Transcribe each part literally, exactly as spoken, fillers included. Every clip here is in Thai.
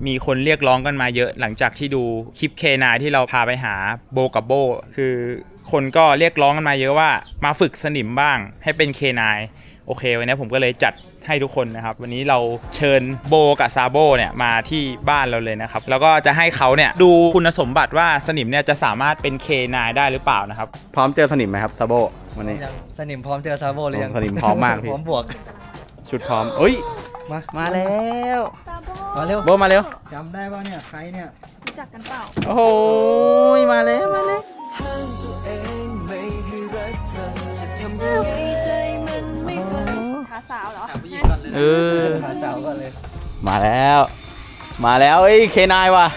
มีคนเรียกร้องกันมาเยอะหลังจากที่ดูคลิป เค ไนน์ ที่เราพาไปหาโบกับโบคือคนก็เรียกร้องกันมาเยอะว่ามาฝึกสนิมบ้างให้เป็น เค ไนน์ โอเควันนี้ผมก็เลยจัดให้ทุกคนนะครับวันนี้เราเชิญโบกับซาโบเนี่ยมาที่บ้านเราเลยนะครับแล้วก็จะให้เขาเนี่ยดูคุณสมบัติว่าสนิมเนี่ยจะสามารถเป็น เค ไนน์ ได้หรือเปล่านะครับพร้อมเจอสนิมไหมครับซาโบวันนี้สนิมพร้อมเจอซาโบหรือยังสนิมพร้อมมากพี่พร้อมบวกชุดพร้อมเอ้ยมามาแล้วมาเร็วโบมาเร็วจำได้ป่ะเนี่ยใครเนี่ยรู้จักกันเปล่าโอ้โหมาแล้วมาแล้วหาสาวเหรอเออหาสาวก่อนเลยมาแล้วมาแล้วเอ้ย เค ไนน์ ว่ะ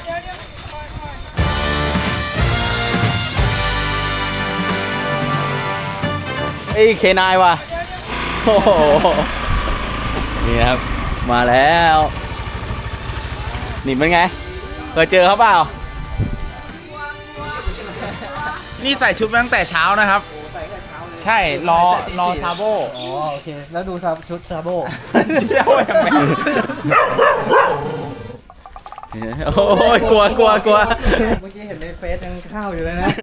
เอ้ย เค ไนน์ ว่ะโอ้โหนี่ครับมาแล้วนี่เป็นไงเคยเจอเขาเปล่านี่ใส่ชุดมาตั้งแต่เช้านะครับใช่รอรอซาโบอ๋อโอเคแล้วดูชุดซาโบเที่ยวยังไงโอ้ยกลัวกลัวกลัวเมื่อกี้เห็นในเฟซยังข้าวอยู่เลยนะ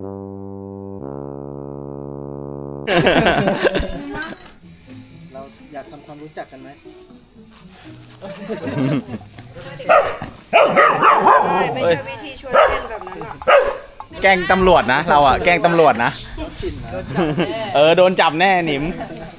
เราอยากทำความรู้จักกันไหมไม่ใช่วิธีชวนเล่นแบบนั้นอ่ะแกล้งตำรวจนะเราอะแกล้งตำรวจนะเออโดนจับแน่หนิม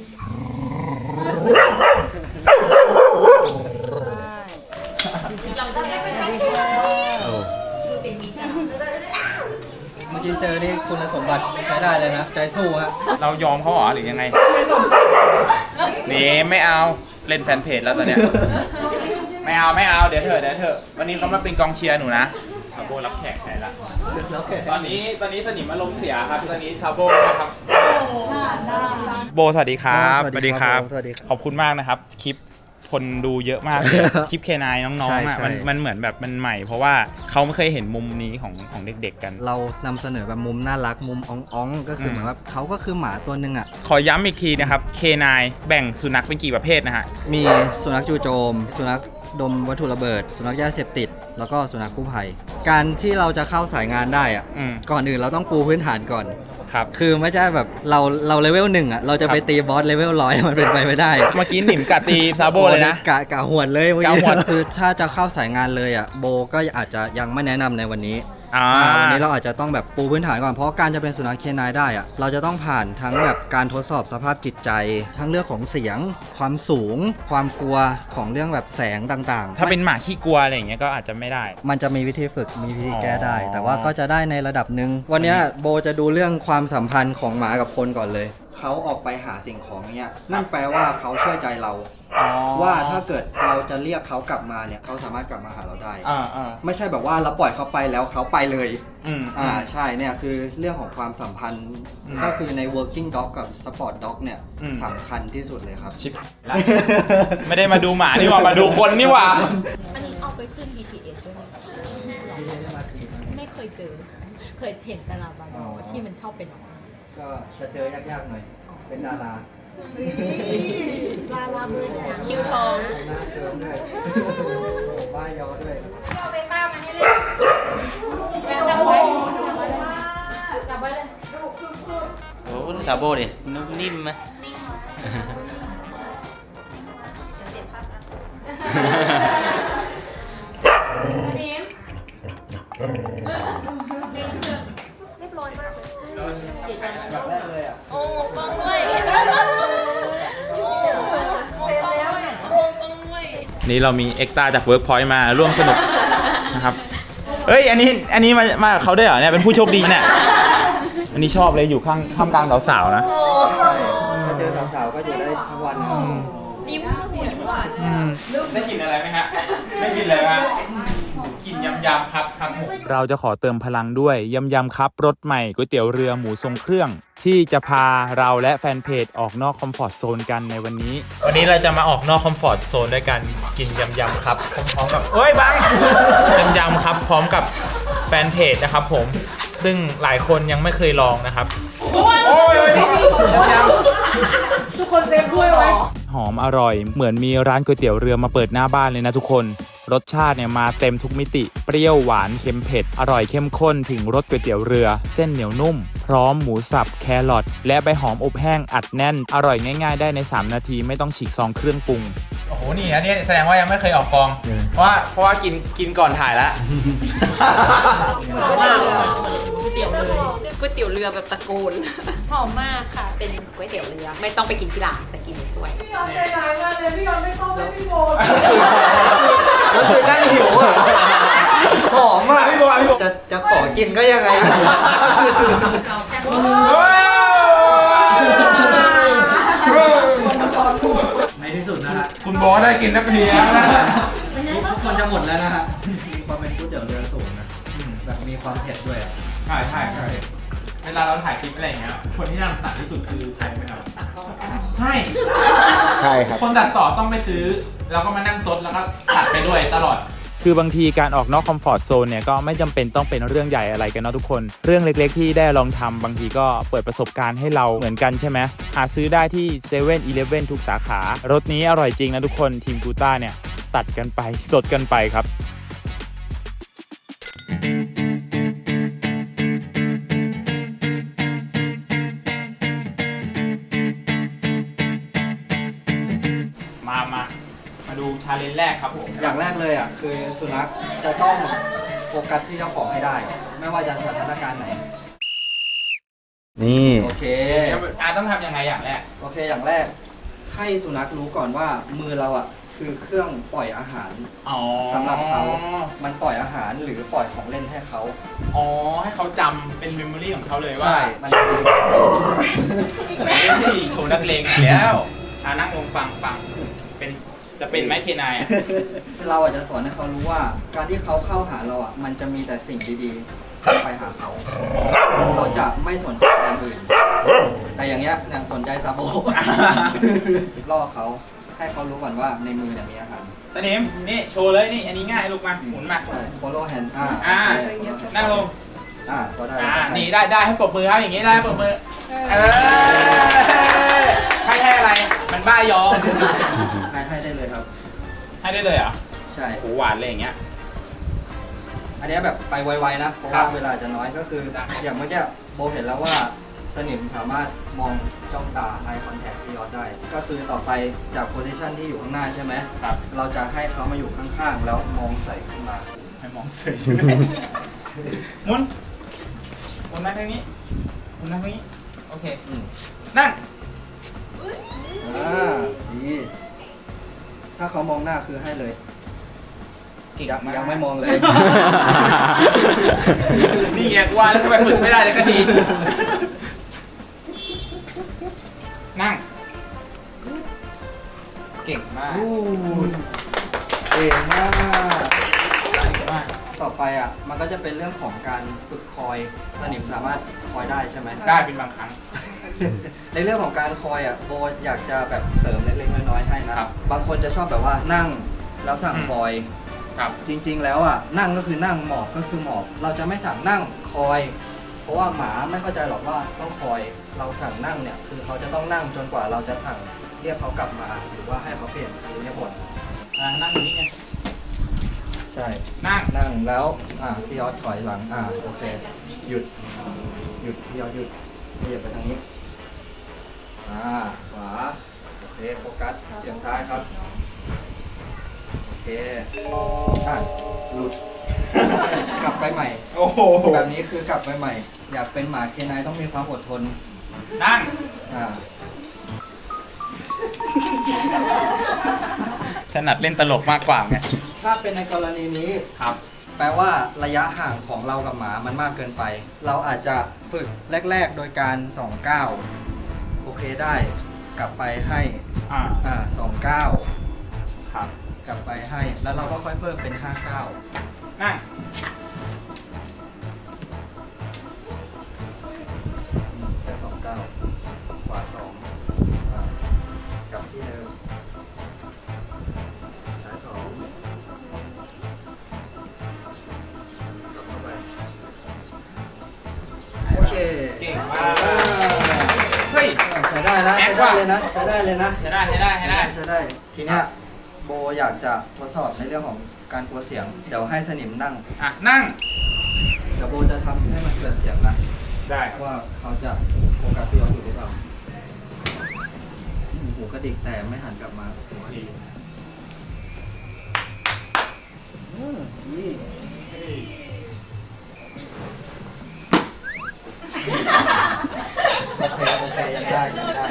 เมื่อกี้เจอนี่คุณสมบัติใช้ได้เลยนะใจสู้ฮะเรายอมเขาหรอหรือยังไงนี่ไม่เอาเล่นแฟนเพจแล้วตอนเนี้ยไม่เอาไม่เอาเดี๋ยวเถอะเดี๋ยวเถอะวันนี้เขามาเป็นกองเชียร์หนูนะซาโบรับแขกแทนละตอนนี้ตอนนี้สนิมอารมณ์เสียครับตอนนี้ซาโบนะครับโบสวัสดีครับสวัสดีครับขอบคุณมากนะครับคลิปคนดูเยอะมากเลยคลิป เค ไนน์ น้องๆอ่ะมันมันเหมือนแบบมันใหม่เพราะว่าเขาไม่เคยเห็นมุมนี้ของของเด็กๆกันเรานำเสนอแบบมุมน่ารักมุมอ่องๆก็คือเหมือนว่าเขาก็คือหมาตัวนึงอ่ะขอย้ำอีกทีนะครับ เค ไนน์ แบ่งสุนัขเป็นกี่ประเภทนะฮะมีสุนัขจู่โจมสุนัขดมวัตถุระเบิดสุนัขยาเสพติดแล้วก็สุนัขกู้ภัยการที่เราจะเข้าสายงานได้อ่ะก่อนอื่นเราต้องปูพื้นฐานก่อนครับคือไม่ใช่แบบเราเราเลเวลหนึ่งอ่ะเราจะไปตีบอสเลเวลร้อยมันเป็นไปไม่ได้เมื่อกี้หนิมกัดตีซาโบเลยนะกะกะหวดเลยเมื่อกี้คือถ้าจะเข้าสายงานเลยอ่ะโบก็อาจจะยังไม่แนะนำในวันนี้วันนี้เราอาจจะต้องแบบปูพื้นฐานก่อนเพราะการจะเป็นสุนัข เค ไนน์ ได้อ่ะเราจะต้องผ่านทั้งแบบการทดสอบสภาพจิตใจทั้งเรื่องของเสียงความสูงความกลัวของเรื่องแบบแสงต่างๆถ้าเป็นหมาขี้กลัวอะไรอย่างเงี้ยก็อาจจะไม่ได้มันจะมีวิธีฝึกมีวิธีแก้ได้แต่ว่าก็จะได้ในระดับหนึ่งวันนี้โบจะดูเรื่องความสัมพันธ์ของหมากับคนก่อนเลยเขาออกไปหาสิ่งของเนี้ยนั่นแปลว่าเขาเชื่อใจเราว่าถ้าเกิดเราจะเรียกเขากลับมาเนี่ยเขาสามารถกลับมาหาเราได้ไม่ใช่แบบว่าเราปล่อยเขาไปแล้วเขาไปเลยอ่าใช่เนี่ยคือเรื่องของความสัมพันธ์ก็คือใน working dog กับ sport dog เนี่ยสำคัญที่สุดเลยครับชิบแล้วไม่ได้มาดูหมานี่หว่ามาดูคนนี่หว่าอันนี้เอาไปขึ้น บี ที เอส ด้วยไม่เคยเจอเคยเห็นแต่ละบางที่มันชอบเป็นก็จะเจอยากๆหน่อยเป็นดาราลาลามือคิ้วทองหน้าเคิร์มด้วยบ้ายอด้วยเอาไปป้ามาให้เลยแม่จับไว้จับไว้เลยโอ้ซาโบดินุ่มนิ่มไหมนิ่มเรียบร้อยมากเลยแบบแรกเลยอ่ะโอ้กล้องด้วยนี่เรามีเอ็กซ์ตร้าจากเวิร์กพอยต์มาร่วมสนุกนะครับเอ้ยอันนี้อันนี้มามาเขาได้เหรอเนี่ยเป็นผู้โชคดีเนี่ยอันนี้ชอบเลยอยู่ข้างข้ามกลางสาวๆนะถ้าเจอสาวๆก็อยู่ได้ทั้งวันนะยิ้มหัวยิ้มหวานได้กลิ่นอะไรไหมฮะได้กลิ่นอะไรฮะกลิ่นยำยำครับครับเราจะขอเติมพลังด้วยยำยำครับรสใหม่ก๋วยเตี๋ยวเรือหมูทรงเครื่องที่จะพาเราและแฟนเพจออกนอกคอมฟอร์ตโซนกันในวันนี้วันนี้เราจะมาออกนอกคอมฟอร์ตโซนด้วยกันกินยำยำครับพร้อมกับเอ้ยบังยำยำครับพร้อมกับแฟนเพจนะครับผมซึ่งหลายคนยังไม่เคยลองนะครับโอ้ยยำทุกคนเซฟด้วยไว้หอมอร่อยเหมือนมีร้านก๋วยเตี๋ยวเรือมาเปิดหน้าบ้านเลยนะทุกคนรสชาติเนี่ยมาเต็มทุกมิติ เปรี้ยวหวานเค็มเผ็ด อร่อยเข้มข้นถึงรสก๋วยเตี๋ยวเรือ เส้นเหนียวนุ่ม พร้อมหมูสับ แครอทและใบหอมอบแห้งอัดแน่น อร่อยง่ายๆได้ในสามนาทีไม่ต้องฉีกซองเครื่องปรุง โอ้โห นี่อันนี้แสดงว่ายังไม่เคยออกกอง เพราะว่าเพราะว่ากินกินก่อนถ่ายแล้วก๋วยเตี๋ยวเลยก๋วยเตี๋ยวเรือแบบตะโกนหอมมากค่ะ เป็นก๋วยเตี๋ยวเรือ ไม่ต้องไปกินที่ร้านแต่กินในถ้วยพี่ยอมใจร้ายมากเลยพี่ยอมไม่ต้องให้พี่โบแล้วคือนั่งหิวอ่ะหอมอ่ะจะจะขอกินก็ยังไง ในที่สุดนะฮะคุณบอกได้กินนักเรียนแล้วนะทุกคนจะหมดแล้วนะฮะ มีความเป็นก๋วยเตี๋ยวเรือสูงนะแบบมีความเผ็ดด้วยอะใช่ใช่ใช่เวลาเราถ่ายคลิปอะไรอย่างเงี้ย คนที่นั่งตัดที่สุดคือใครไหมครับใช่ใช่ครับคนตัดต่อต้องไปซื้อ แล้วก็มานั่งซดแล้วก็ตัดไปด้วยตลอด คือบางทีการออกนอกคอมฟอร์ทโซนเนี่ยก็ไม่จำเป็นต้องเป็นเรื่องใหญ่อะไรกันเนาะทุกคน เรื่องเล็กๆที่ได้ลองทำบางทีก็เปิดประสบการณ์ให้เราเหมือนกันใช่ไหมหาซื้อได้ที่เซเว่นอีเลฟเว่นทุกสาขา รสนี้อร่อยจริงนะทุกคนทีมกูต้าเนี่ยตัดกันไปสดกันไปครับ มามามาดูชาเลนจ์แรกครับผมอย่างแรกเลยอ่ะคือสุนัขจะต้องโฟกัสที่เจ้าของให้ได้ ไม่ว่าจะสถานการณ์ไหนนี่โอเคอาต้องทำยังไงอย่างแรกโอเค อย่างแรก ให้สุนัขรู้ก่อนว่ามือเราอ่ะคือเครื่องปล่อยอาหารอ๋อสำหรับเขา มันปล่อยอาหารหรือปล่อยของเล่นให้เขาอ๋อ ให้เขาจำเป็นเมมโมรี่ของเขาเลยว่าใช่ มันคือที่โชว์นักเลงอีกแล้วอ่านั่งลงฟังฟังเป็นจะเป็นไหมเคนายอ่ะเราอาจจะสอนให้เขารู้ว่า การที่เขาเข้าหาเราอ่ะ มันจะมีแต่สิ่งดีๆเข้าไปหาเขาเขาจะไม่สนใจอย่างอื่น แต่อย่างเงี้ยอย่างสนใจซาโบ ล่อเขาให้เขารู้ก่อนว่าในมือเนี่ยมีอาหารตอนนี้นี่โชว์เลยนี่อันนี้ง่ายลูกมาหมุนมาใช่ follow hand อ่าอ่าโอเค follow hand นั่งลงอ่าก็ได้อ่าได้นี่ได้ได้ให้ปรบมือครับอย่างงี้ได้ให้ปรบมือเออให้ให้อะไรมันบ้ายอมให้ให้ได้เลยครับให้ได้เลยเหรอใช่โหหวานเลยอย่างเงี้ยอันเนี้ยแบบไปไวๆนะ เพราะครัว่าบเวลาจะน้อยก็คือได้อย่างเมื่อกี้โบเห็นแล้วว่าสนิมสามารถมองจ้องตา eye contact พี่ยอดได้ ก็คือต่อไปจาก position ที่อยู่ข้างหน้าใช่ไหมครับเราจะให้เขามาอยู่ข้างๆ แล้วมองใส่ขึ้นมาให้มองเสยหมุนหมุนนั่งทางนี้หมุนนั่งทางนี้โอเคอืมนั่งอ่าดี ถ้าเขามองหน้าคือให้เลยเก่งยังมากยังไม่มองเลยนี่ไงกูว่าแล้วทำไมฝึกไม่ได้เลยก็ดี นั่ง เก่งมากเก่งมากเก่งมากต่อไปอ่ะ มันก็จะเป็นเรื่องของการฝึกคอย สนิมสามารถคอยได้ใช่ไหมได้เป็นบางครั้งในเรื่องของการคอยอ่ะโบอยากจะแบบเสริมเล็กๆน้อยๆให้นะครับ บางคนจะชอบแบบว่านั่งแล้วสั่งคอยครับจริงๆแล้วอ่ะนั่งก็คือนั่งหมอบก็คือหมอบ เราจะไม่สั่งนั่งคอย เพราะว่าหมาไม่เข้าใจหรอกว่าต้องคอย เราสั่งนั่งเนี่ยคือเขาจะต้องนั่งจนกว่าเราจะสั่งเรียกเขากลับมา หรือว่าให้เขาเปลี่ยนอิริยาบถอ่านั่งอย่างนี้ไงใช่นั่งนั่งแล้วอ่าพี่ยอดถอยหลังอ่าโอเคหยุดหยุดพี่ยอดหยุดขยับไปทางนี้อ่าขวาโอเคโฟกัสเอียงซ้ายครับโอเคอ่ะหลุด กลับไปใหม่โอ้โหแบบนี้คือกลับไปใหม่ อยากเป็นหมาเคนายต้องมีความอดทนนั่งอ่าถนัดเล่นตลกมากกว่าไงถ้าเป็นในกรณีนี้ครับแปลว่าระยะห่างของเรากับหมามันมากเกินไป เราอาจจะฝึกแรก ๆ โดยการสองก้าวโอเคได้ กลับไปให้อ่าอ่าสองก้าวครับกลับไปให้ แล้วเราก็ค่อยเพิ่มเป็นห้าก้าวนั่งแค่สองก้าวขวาสองอ่ากลับที่เดิมซ้ายสองกลับเข้าไปโอเคเก่งมากเฮ้ยใช้ได้นะแอใช้คได้ว่ะเลยนะใช้ได้เลยนะใช้ได้ใช้ได้ใช้ได้ใช้ได้ทีเนี้ยโบอยากจะทดสอบในเรื่องของการกลัวเสียง เดี๋ยวให้สนิมนั่งอ่ะนั่งเดี๋ยวโบจะทำให้มันเกิดเสียงนะได้ว่าเขาจะโฟกัสพี่ยอดอยู่หรือเปล่าหูกระดิกแต่ไม่หันกลับมาอืมนี่โอเคโอเคยังได้ยังได้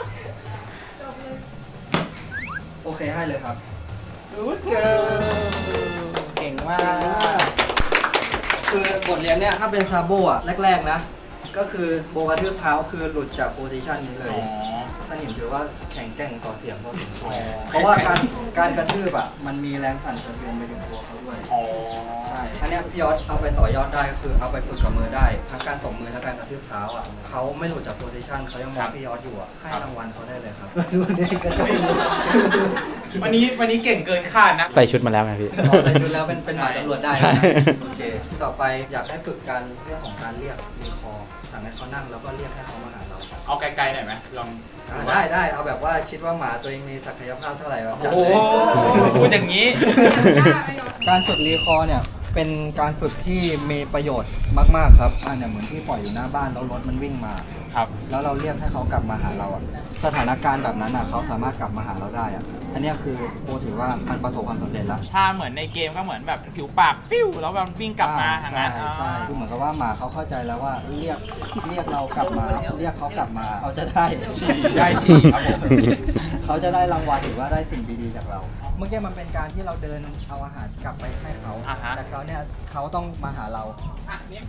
โอเคให้เลยครับ Good girl เก่งมากคือบทเรียนเนี่ยถ้าเป็นซาโบอ่ะแรกๆนะ ก็คือโบกระทืบเท้าคือหลุดจากโพซิชันนี้เลยอ๋อสนิมถือว่าแข็งแกร่งต่อเสียงพอสมควรอ๋อเพราะว่าการการกระทืบอ่ะมันมีแรงสั่นสะเทือนไปถึงตัวเขาด้วยอ๋อใช่อันเนี้ยพี่ยอดเอาไปต่อยอดได้ก็คือเอาไปฝึกกับมือได้ทั้งการตบมือทั้งการกระทืบเท้าอ่ะเขาไม่หลุดจากโพซิชันเขายังมองพี่ยอดอยู่อ่ะให้รางวัลเขาได้เลยครับดูนี่กระทืบวันนี้วันนี้เก่งเกินคาดนะใส่ชุดมาแล้วไงพี่อ๋อใส่ชุดแล้วเป็นเป็นหมายตำรวจได้ใช่นะโอเค ต่อไปอยากให้ฝึกการเรื่องของการเรียกรีคอร์สั่งให้เขานั่งแล้วก็เรียกให้เขามาหาเราเอาไกลๆหน่อยไหมลองอ่าได้ได้เอาแบบว่าคิดว่าหมาตัวเองมีศักยภาพเท่าไหร่แบบจัดโอ้เลยโหพูดอย่างนี้การฝึกรีคอร์เนี่ยเป็นการฝึกที่มีประโยชน์มากๆครับอ่าเนี่ยเหมือนที่ปล่อยอยู่หน้าบ้านแล้วรถมันวิ่งมาครับแล้วเราเรียกให้เขากลับมาหาเราอะสถานการณ์แบบนั้นอะเขาสามารถกลับมาหาเราได้อะอันเนี้ยคือโบถือว่ามันประสบความสำเร็จแล้วถ้าเหมือนในเกมก็เหมือนแบบผิวปากฟิวแล้วแบบวิ่งกลับมาทางนั้นใช่ใช่คือเหมือนกับว่าหมาเขาเข้าใจแล้วว่าเรียกเรียกเรากลับมา เรียกเขากลับมาเขาจะได้ฉี่ได้ฉี่ครับผมเขาจะได้รางวัลหรือว่าได้สิ่งดีๆจากเรา เมื่อกี้มันเป็นการที่เราเดินเอาอาหารกลับไปให้เขาอ่าฮะแต่เขาเนี่ยเขาต้องมาหาเราอ่ะนี่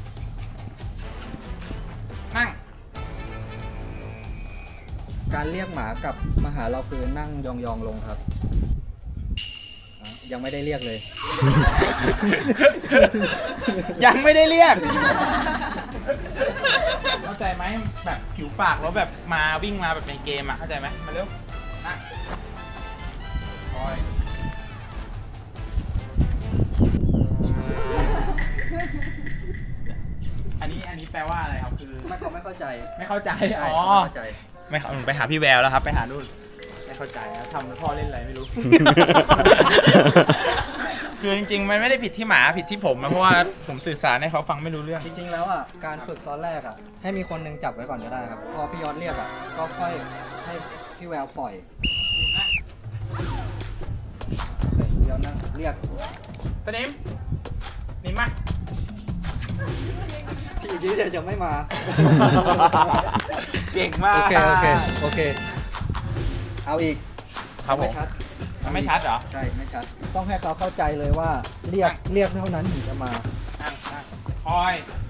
นั่งการเรียกหมากลับมาหาเราคือนั่งยองๆลงครับอ่ะยังไม่ได้เรียกเลยยังไม่ได้เรียก เข้าใจไหมแบบผิวปากแล้วแบบมาวิ่งมาแบบในเกมอ่ะเข้าใจไหมมาเร็วนั่งคอยอันนี้อันนี้แปลว่าอะไรครับคือไม่เขาไม่เข้าใจไม่เข้าใจใช่อ๋อเขาไม่เข้าใจไม่เข้าไปหาพี่แววแล้วครับ ไปหานู่นไม่เข้าใจนะทำให้พ่อเล่นอะไรไม่รู้ คือจริงๆ มันไม่ได้ผิดที่หมาผิดที่ผมนะเพราะว่าผมสื่อสารให้เขาฟังไม่รู้เรื่องจริงๆแล้วอ่ะการฝึกตอนแรกอ่ะให้มีคนหนึงจับไว้ก่อนก็ได้ครับ พอพี่ยอดเรียกอ่ะก็ค่อยให้พี่แววปล่อยเดี๋ยวนั่งเรียกสนิมนิมมาทีนี้เดี๋ยวจะไม่มาเก่งมากโอเคโอเคโอเค เอาอีกครับผมไม่ชัดมันไม่ชัดเหรอใช่ไม่ชัด ต้องให้เขาเข้าใจเลยว่าเรียกเรียกเท่านั้นถึงจะมานั่งนั่งคอย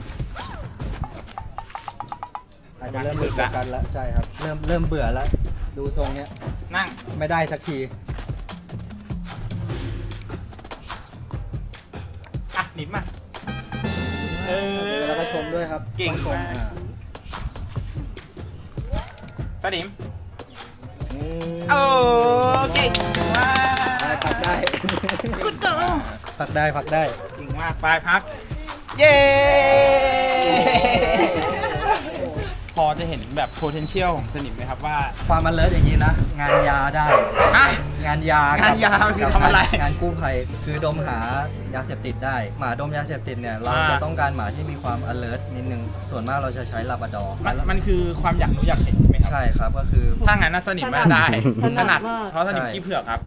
อาจจะเริ่มเบื่อกันแล้วใช่ครับ เริ่มเริ่มเบื่อแล้ว ดูทรงเนี้ยนั่งไม่ได้สักทีอ่ะนิมมาเออแล้วก็ชมด้วยครับเก่งต้องชมากอ่าสนิมอืมโอ้เก่งมากได้พักได้พักได้พักได้เก่งมากไปพัก เย้ พอจะเห็นแบบ potential ของสนิมไหมครับว่าความมันเลิศอย่างนี้นะ งานยาได้อ่ะงานยางานยามันคือทำอะไรงานกู้ภัยคือดมหายาเสพติดได้ หมาดมยาเสพติดเนี่ย เราอ่าจะต้องการหมาที่มีความ alert นิดนึง ส่วนมากเราจะใช้ลาบราดอร์มันมันคือความอยากรู้อยากเห็นใช่ไหมครับใช่ครับก็คือถ้างั้นน่ะสนิมมาได้ถนัดถนัดมากเพราะสนิมใช่ขี้เผือกครับ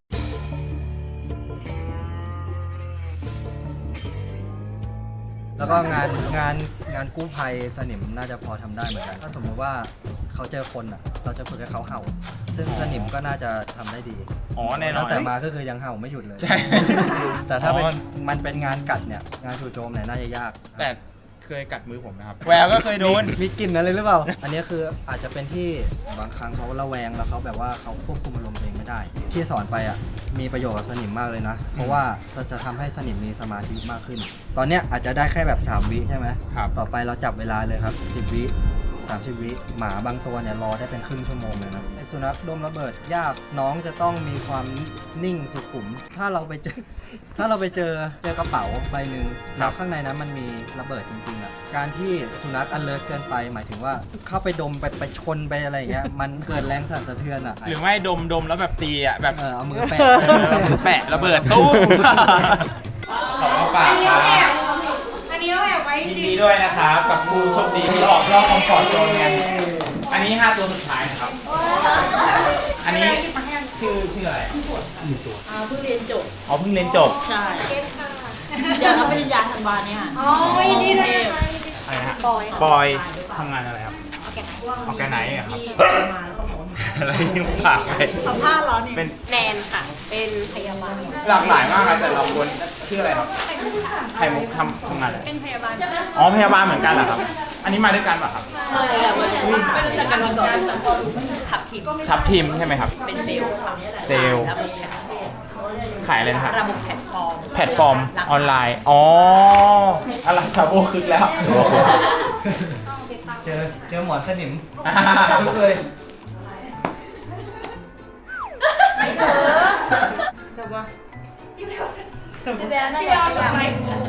แล้วก็งานงานงานกู้ภัยสนิมน่าจะพอทำได้เหมือนกัน ถ้าสมมติว่าเขาเจอคนอ่ะ เราจะฝึกให้เขาเห่า ซึ่งสนิมก็น่าจะทำได้ดีอ๋อแน่นอนตั้งแต่มาก็คือยังเห่าไม่หยุดเลยใช่แต่ถ้าเป็นอ๋อมันเป็นงานกัดเนี่ย งานจู่โจมเนี่ยน่าจะยากแต่เคยกัดมือผมนะครับ แววก็เคยโดนมีกลิ่นอะไรหรือเปล่า อันนี้คืออาจจะเป็นที่บางครั้งเขาระแวงแล้วเขาแบบว่าเขาควบคุมอารมณ์ตัวเองไม่ได้ ที่สอนไปอ่ะมีประโยชน์กับสนิมมากเลยนะ เพราะว่าจะทำให้สนิมมีสมาธิมากขึ้น ตอนเนี้ยอาจจะได้แค่แบบสามวิใช่ไหมครับต่อไปเราจับเวลาเลยครับสิบวิสามสิบวิหมาบางตัวเนี่ยรอได้เป็นครึ่งชั่วโมงเลยนะไอสุนัขดมระเบิดยากน้องจะต้องมีความนิ่งสุขุม ถ้าเราไปเจอ ถ้าเราไปเจอเจอกระเป๋าใบหนึ่งแล้วข้างในนั้นมันมีระเบิดจริงๆอ่ะการที่สุนัขอันเลิศเกินไปหมายถึงว่าเข้าไปดมไปไปชนไปอะไรอย่างเงี้ยมันเกิดแรงสั่นสะเทือนอ่ะหรือไม่ดมดมแล้วแบบตีอ่ะแบบเออเอามือแปะแปะระเบิดตู้มขอบคุณฝากครับอันนี้เอาแอบไว้จยินริงดีด้วยนะครับกับผู้โชคดีที่ออกรอบคอมฟอร์ตโซนกันอันนี้ห้าตัวสุดท้ายนะครับ อันนี้ชื่อชื่ออะไรอ่าเพิ่งเรียนจบอ๋อเพิ่งเรียนจบใช่เดี๋ยวรับปริญญาธันวาเนี่ยอ๋อยินดีด้วยนะคะอะไรนะฮะปอยปอยทำงานอะไรครับเอาแกไหนออร์แกไนซ์อะครับที่มาแล้วก็บอกว่าอะไรที่ผากไปสัมภาษณ์เหรอเนี่ยเป็นแนนค่ะ เป็นพยาบาลหลากหลายมากครับแต่เราควรชื่ออะไรครับไข่มุกทำทำงานอะไรเป็นพยาบาลอ๋อพยาบาลเหมือนกันเหรอครับ อันนี้มาด้วยกันป่ะครับไม่อะไม่ไม่รู้จักกันมาก่อนแต่พอขับทีมครับทีมใช่ไหมครับเป็นเซลล์ค่ะเซลล์ระบบแพลตฟอร์มขายอะไรนะครับระบบแพลตฟอร์มแพลตฟอร์มออนไลน์ อ๋อ อะไรครับโอ้คึกแล้วเจอเจอหมอนสนิมอ่าทุกเลยไม่เถอะพี่แบลพี่แบลน่าจะทำไม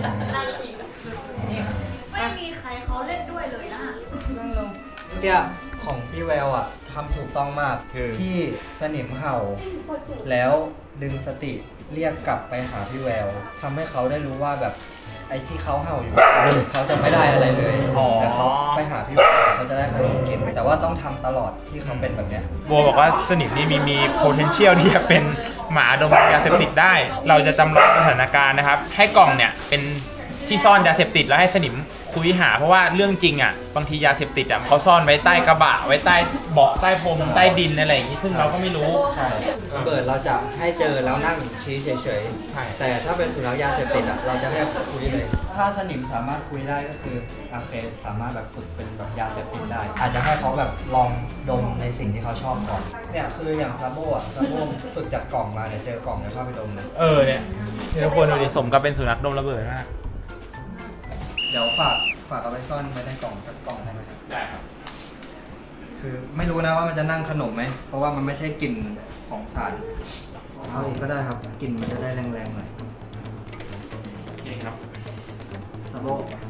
ไม่มีใครเขาเล่นด้วยเลยนะเมื่อกี้ของพี่แววอ่ะทำถูกต้องมากคือที่สนิมเห่า แล้วดึงสติเรียกกลับไปหาพี่แววทำให้เขาได้รู้ว่าแบบไอ้ที่เขาเห่าอยู่ เขาจะไม่ได้อะไรเลยอ๋อแต่เขาไปหาพี่แววเขาจะได้ขนมกินแต่ว่าต้องทำตลอดที่เขาเป็นแบบเนี้ยโบบอกว่าสนิมนี่มีมี potential ที่จะเป็นหมาดมยาเสพติดได้ เราจะจำลองสถานการณ์นะครับ ให้กล่องเนี่ยเป็นที่ซ่อนยาเสพติดแล้วให้สนิมคุยหาเพราะว่าเรื่องจริงอ่ะบางทียาเสพติดอ่ะเขาซ่อนไว้ใต้กระบะไว้ใต้เบาะใต้พรมใต้ดินอะไรอย่างนี้ซึ่งเราก็ไม่รู้ใช่ระเบิดเราจะให้เจอแล้วนั่งชี้เฉยใช่ๆ แต่ถ้าเป็นสุนัขยาเสพติดอ่ะเราจะให้คุยเลย ถ้าสนิมสามารถคุยได้ก็คือโอเคสามารถแบบฝึกเป็นแบบยาเสพติดได้ อาจจะให้เขาแบบลองดมในสิ่งที่เขาชอบก่อน เนี่ยคืออย่างซาโบอ่ะซาโบฝึกจากกล่องมาเนี่ยเจอกล่องเนี่ยเข้าไปดมเลยเออเนี่ยทุกคนดูดิสมกับเป็นสุนัขดมระเบิดมากเดี๋ยวฝากฝากเอาไปซ่อนไว้ในกล่องสักกล่องได้ไหมครับได้ครับคือไม่รู้นะว่ามันจะนั่งขนมไหม เพราะว่ามันไม่ใช่กลิ่นของสารเอาอีกก็ได้ครับ กลิ่นมันจะได้แรงๆหน่อยโอเคครับซาโบ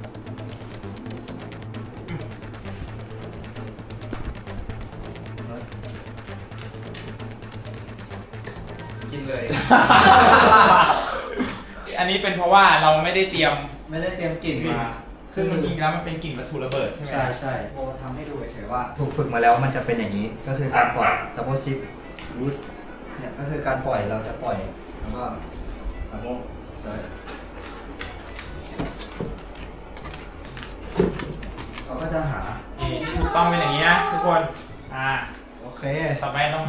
กินเลยอันนี้เป็นเพราะว่าเราไม่ได้เตรียมไม่ได้เตรียมกลิ่นมาซึ่งมันจริงแล้วมันเป็นกลิ่นวัตถุระเบิดใช่ไหมใช่ใช่โบทำให้ดูเฉยๆว่า ถูกฝึกมาแล้วมันจะเป็นอย่างนี้ ก็คือการปล่อยซาโบซิปรูทเนี่ยก็คือการปล่อยเราจะปล่อยแล้วก็ซาโบเซิร์ชเขาก็จะหานี่ถูกต้องเป็นอย่างนี้นะทุกคน อ่าโอเคต่อไปต้อง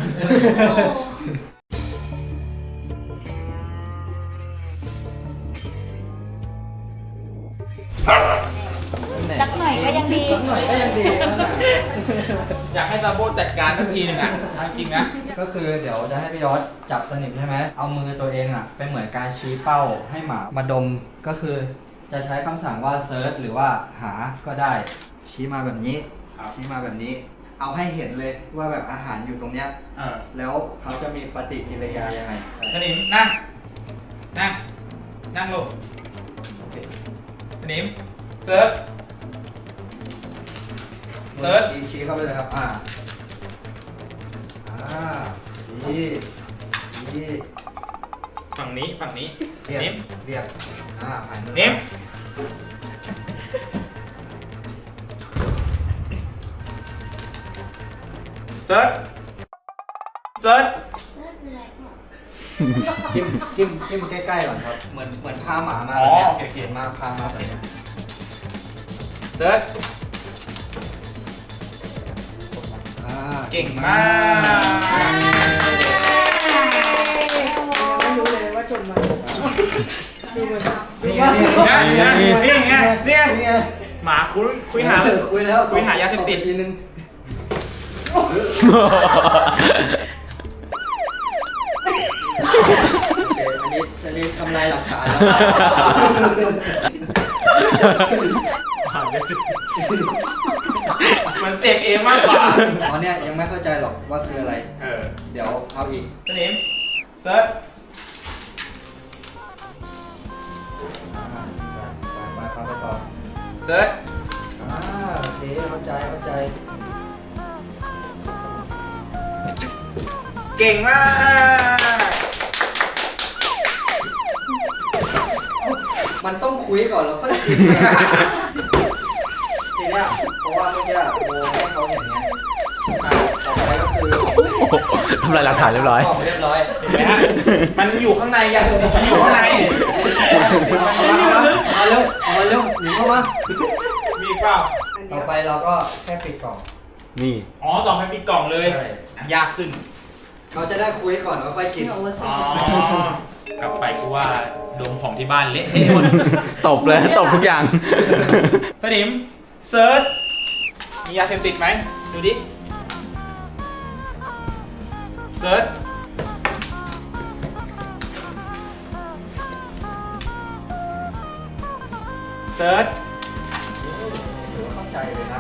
สักหน่อยก็ยังดีสักหน่อยก็ยังดีนั่นแหละอยากให้ซาโบจัดการสักทีหนึ่งอ่ะเอาจริงนะก็คือเดี๋ยวจะให้พี่ยอดจับสนิมใช่ไหม เอามือตัวเองอ่ะเป็นเหมือนการชี้เป้าให้หมามาดม ก็คือจะใช้คำสั่งว่าเซิร์ชหรือว่าหาก็ได้ ชี้มาแบบนี้ครับชี้มาแบบนี้ เอาให้เห็นเลยว่าแบบอาหารอยู่ตรงเนี้ยเออแล้วเขาจะมีปฏิกิริยายังไงสนิมนั่ง นั่ง นั่งลงโอเคสนิมเซิร์ช เซิร์ชชี้ชี้เข้าไปเลยครับ อ่า อ่าชี้ชี้ฝั่งนี้ฝั่งนี้เรียกนิ้มเรียก อ่าผ่านมือนิ้มเซิร์ชเซิร์ชจิ้มจิ้มจิ้มใกล้ๆก่อนครับ เหมือนเหมือนพาหมามาอ๋อแบบโอเนี้ยเคโอเคมาพามาแบบเนี้ยเซิร์ชอ่าเก่งมากไม่รู้เลยว่าจนมาดูเหมือนนี่ไงนี่ไงนี่ไงนี่ไงนี่ไงนี่ไงหมาคุยคุยหาเออคุยแล้วคุยหายาเสพติดทีนึงอันนี้อันนี้ทำลายหลักฐานแล้วหายาเสพติดมันเสพเองมากกว่าตอนเนี้ยยังไม่เข้าใจหรอกว่าคืออะไรเออเดี๋ยวเอาอีกสนิมเซิร์ชไปไปไปต่อเซิร์ชอ่าโอเคเข้าใจเข้าใจเก่งมากมันต้องคุยก่อนแล้วค่อยกิน ทีเนี้ยเพราะว่าเมื่อกี้โบให้เขาอย่างเงี้ยอ่ะต่อไปก็คือทำลายหลักฐานเรียบร้อยกล่องเรียบร้อยเห็นไหมฮะมันอยู่ข้างในอย่างอื่นมันอยู่ข้างในมาเร็วมาเร็วหนีเข้ามามีอีกเปล่าต่อไปเราก็แค่ปิดกล่องนี่อ๋อต่อไปปิดกล่องเลยใช่อ่ะยากขึ้นเขาจะได้คุยก่อนแล้วค่อยกินอ๋อกลับไปกูว่าดมของที่บ้านเละเทะหมดตบเลยตบทุกอย่างสนิมเซิร์ชมียาเสพติดไหมดูดิเซิร์ชเซิร์ชถือว่าเข้าใจเลยนะ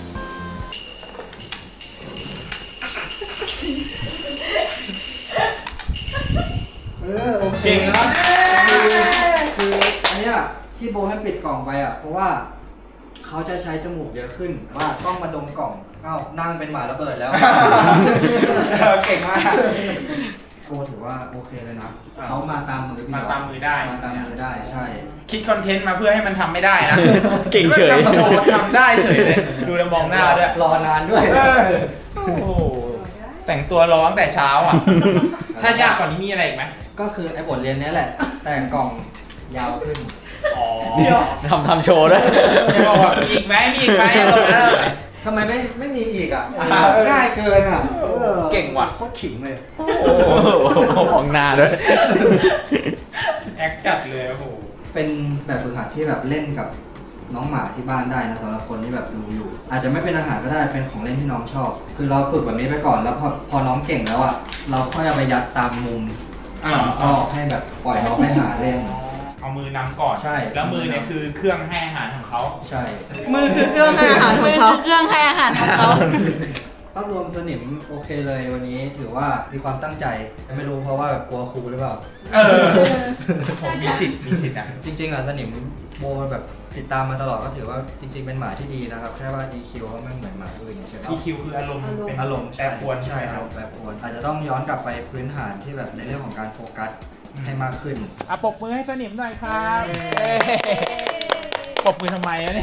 เออโอเคเก่งนะคือคืออันเนี้ยที่โบให้ปิดกล่องไปอ่ะ เพราะว่าเขาจะใช้จมูกเยอะขึ้น ว่าต้องมาดมกล่องเอ้านั่งเป็นหมาระเบิดแล้วเออเก่งมากโบถือว่าโอเคเลยนะเขามาตามมือพี่มาตามมือได้มาตามมือได้ใช่คิดคอนเทนต์มาเพื่อให้มันทำไม่ได้นะเก่งเฉยทำโชว์ทำได้เฉยเลย ดูแล้วมองหน้าด้วยรอนานด้วยเออโอ้โหแต่งตัวร้องแต่เช้าอ่ะ ถ้ายากกว่านี้มีอะไรอีกไหมก็คือไอ้บทเรียนเนี้ยแหละ แต่กล่องยาวขึ้นอ๋อทำทำโชว์ด้วยจะบอกว่ามีอีกไหมมีอีกไหมตรงนั้นเลยทำไมไม่ไม่มีอีกอ่ะอ่าเออง่ายเกินอ่ะออเก่งว่ะโคตรขิงเลยโอ้โหมองหน้าด้วยแอคจัดเลยโอ้โหเป็นแบบฝึกหัดที่แบบเล่นกับน้องหมาที่บ้านได้นะสำหรับคนที่แบบดูอยู่ อาจจะไม่เป็นอาหารก็ได้เป็นของเล่นที่น้องชอบ คือเราฝึกแบบนี้ไปก่อนแล้วพอพอน้องเก่งแล้วอ่ะเราค่อยเอาไปยัดตามมุมอ่าของซอกให้แบบปล่อยน้องไปหาเล่นเอามือนำก่อนใช่แล้วมือเนี่ยคือเครื่องให้อาหารของเขาใช่มือคือเครื่องให้อาหารขมืองอเขาคือเครื่องให้อาหารของเขาภาพรวมสนิมโอเคเลยวันนี้ถือว่ามีความตั้งใจไม่รู้เพราะว่าแบบกลัวครูหรือเปล่าเออผมมีสิทธิ์มีสิทธิ์นะจริงๆอ่ะสนิมโบแบบติดตามมาตลอดก็ถือว่าจริง ๆ เป็นหมาที่ดีนะครับ แค่ว่า อี คิว เขาไม่เหมือนหมาอื่นใช่ไหมอี คิว คืออารมณ์เป็นอารมณ์แปรปรวนใช่ใช่ไหมคครัรับบ แปรปรวนอาจจะต้องย้อนกลับไปพื้นฐานที่แบบในเรื่องของการโฟกัสให้มากขึ้นอ่ะปรบมือให้สนิมหน่อยครับปรบมือทำไมอะเนี่ย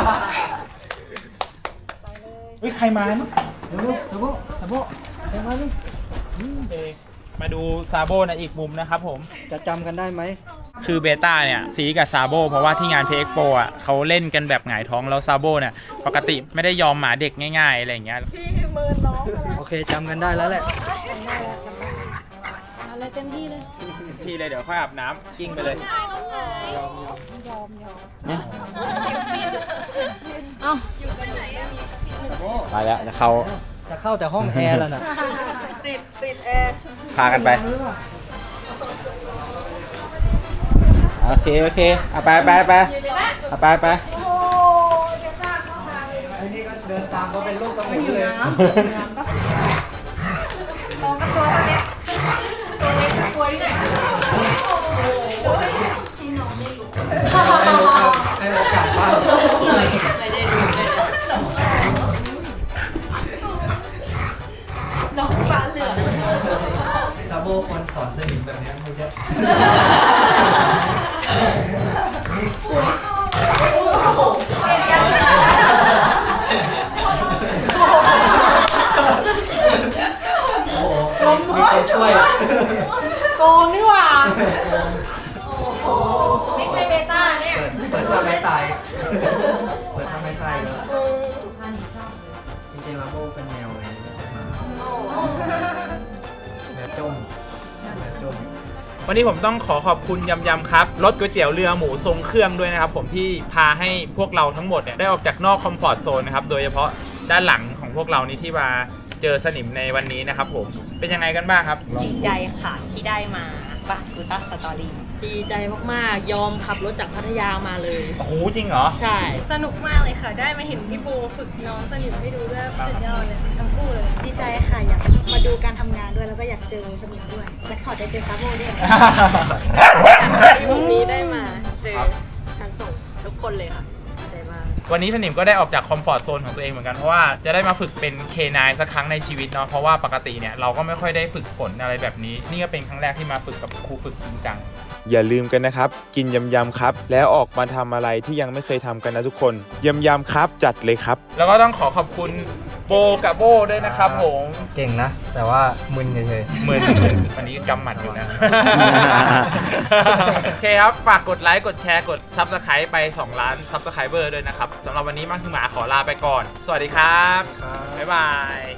เฮ้ยใครมาเนี่ยเดี๋ยวเดี๋ยวซาโบใครมาเนี่ยเอมาดูซาโบในอีกมุมนะครับผมจะจำกันได้ไหมคือเบต้าเนี่ยซีกับซาโบเพราะว่าที่งานเพเอ็กโปอ่ะเขาเล่นกันแบบหงายท้องแล้วซาโบเนี่ยปกติไม่ได้ยอมหมาเด็กง่ายๆอะไรอย่างเงี้ยโอเคจำกันได้แล้วแหละอะไรเต็มที่เลยทีเลยเดี๋ยวค่อยอาบน้ำกิ้งไปเลยเอ้าไปแล้วจะเข้าจะเข้าแต่ห้องแอร์แล้วนะติดติดแอร์พากันไป โอเค โอเคเอาไปไปไปเอาไปไปไอ้นี่ก็เดินตามเขาเป็นลูกตะหมูเลย ให้โอกาสบ้างน้องตาเหลืองซาโบคนสอนสนิมแบบนี้เขาเยอะโอ้โหมีคนช่วยโกงนี่หว่า ไม่ใช่เบต้าเนี่ยเปิดเปิดทำไม่ตาย เปิดทำไม่ตายเลยจริงๆลาโบเป็นแนวไงมาแนวจมแนวจมวันนี้ผมต้องขอขอบคุณยำยำครับรสก๋วยเตี๋ยวเรือหมูทรงเครื่องด้วยนะครับผมที่พาให้พวกเราทั้งหมดเนี่ยได้ออกจากนอกคอมฟอร์ตโซนนะครับโดยเฉพาะด้านหลังของพวกเรานี่ที่มาเจอสนิมในวันนี้นะครับผมเป็นยังไงกันบ้างครับดีใจค่ะที่ได้มาบัตรกูต้าสตอรี่ดีใจมากๆ ยอมขับรถจากพัทยามาเลยโอ้โหจริงเหรอใช่สนุกมากเลยค่ะ ได้มาเห็นพี่โบฝึกน้องสนิมให้ดูด้วยสุดยอดเลยทั้งคู่เลย ดีใจค่ะ อยากมาดูการทำงานด้วยแล้วก็อยากเจอสนิมด้วยและขอได้เจอซาโบด้วยที่วันนี้ได้มาเจอทั้งสองทุกคนเลยค่ะดีใจมากวันนี้สนิมก็ได้ออกจากคอมฟอร์ตโซนของตัวเองเหมือนกันเพราะว่าจะได้มาฝึกเป็น เค ไนน์ สักครั้งในชีวิตเนาะเพราะว่าปกติเนี่ยเราก็ไม่ค่อยได้ฝึกฝนอะไรแบบนี้นี่ก็เป็นครั้งแรกที่มาฝึกกับครูฝึกจริงจังอย่าลืมกันนะครับกินยำยำครับแล้วออกมาทำอะไรที่ยังไม่เคยทำกันนะทุกคนยำยำครับจัดเลยครับแล้วก็ต้องขอขอบคุณโบกับโบด้วยนะครับผมเก่งนะ แต่ว่ามึนเฉยเหมือนวันนี้กำหมัดอยู่นะ โอเคครับ ฝากกดไลค์ กดแชร์ กด ซับสไครป์ ไป สอง ล้าน ซับสไครเบอร์ด้วยนะครับ สำหรับวันนี้มั่งคือหมาขอลาไปก่อน สวัสดีครับ บ๊ายบาย